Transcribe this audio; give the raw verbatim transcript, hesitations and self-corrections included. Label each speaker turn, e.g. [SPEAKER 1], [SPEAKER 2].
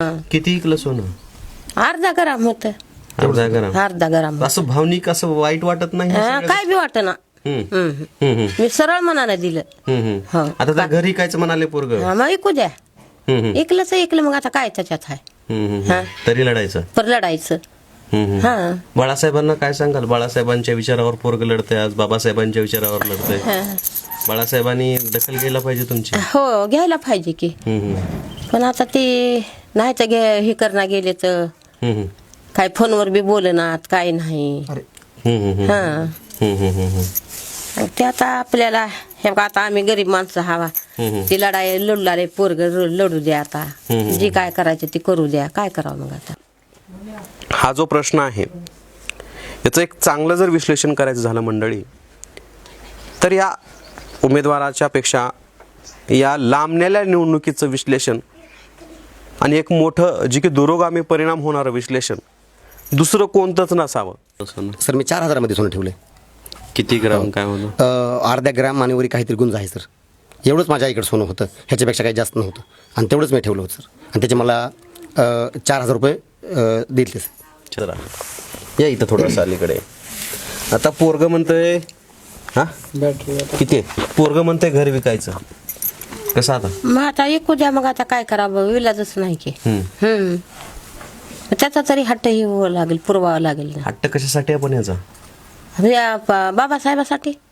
[SPEAKER 1] किती इकलं सोनं?
[SPEAKER 2] अर्धा ग्राम होत.
[SPEAKER 1] अर्धा ग्राम.
[SPEAKER 2] अर्धा ग्राम.
[SPEAKER 1] असं भावनिक असं वाईट वाटत नाही?
[SPEAKER 2] काय बी वाटत ना. मी सरळ मनाने दिलं.
[SPEAKER 1] आता त्या घरी कायच म्हणाले पोरग?
[SPEAKER 2] मग ऐकू द्या. ऐकलंच ऐकलं, मग आता काय त्याच्यात आहे.
[SPEAKER 1] तरी लढायचं
[SPEAKER 2] पर लढायचं. हा.
[SPEAKER 1] बाळासाहेबांना काय सांगाल? बाळासाहेबांच्या विचारावर पोरग लढतंय आज, बाबासाहेबांच्या विचारावर लढतंय. बाळासाहेबांनी दखल घ्यायला पाहिजे तुमची.
[SPEAKER 2] हो, घ्यायला पाहिजे की. पण आता ते नाही तर हे करणार गेले तर काय फोनवर बी बोलनात, काय नाही. हा. ते आता आपल्याला हे बघा, आता आम्ही गरीब माणसं हवा, ती लढाई लढणारे पोरग लढू द्या. आता जी काय करायचं ती करू द्या. काय करावं मग आता?
[SPEAKER 1] हा जो प्रश्न आहे याचं एक चांगलं जर विश्लेषण करायचं झालं मंडळी, तर या उमेदवाराच्या पेक्षा या लांबलेल्या निवडणुकीचं विश्लेषण आणि एक मोठं जे की दुरोगामी परिणाम होणारं विश्लेषण दुसरं कोणतंच नसावं.
[SPEAKER 3] सर, मी चार हजारामध्ये सोनं ठेवलंय.
[SPEAKER 1] किती ग्राम काय होतं?
[SPEAKER 3] अर्ध्या ग्राम आणि वरी काहीतरी गुंज आहे सर. एवढंच माझ्या इकडे सोनं होतं, ह्याच्यापेक्षा काही जास्त नव्हतं. आणि तेवढंच मी ठेवलं होतं सर. आणि त्याचे मला चार हजार रुपये दिले सर.
[SPEAKER 1] चला या इथं थोडंसं अलीकडे. आता पोरग म्हणतंय, हा किती आहे? पोरग म्हणतंय घर विकायचं. कसं आता?
[SPEAKER 2] मग आता ऐकू द्या. मग आता काय करावं? विलाजच नाही की. हम्म. त्याचा तरी हट्ट ही लागेल, पुरवावा लागेल.
[SPEAKER 1] हट्ट कशासाठी आपण याचा?
[SPEAKER 2] बाबासाहेबासाठी.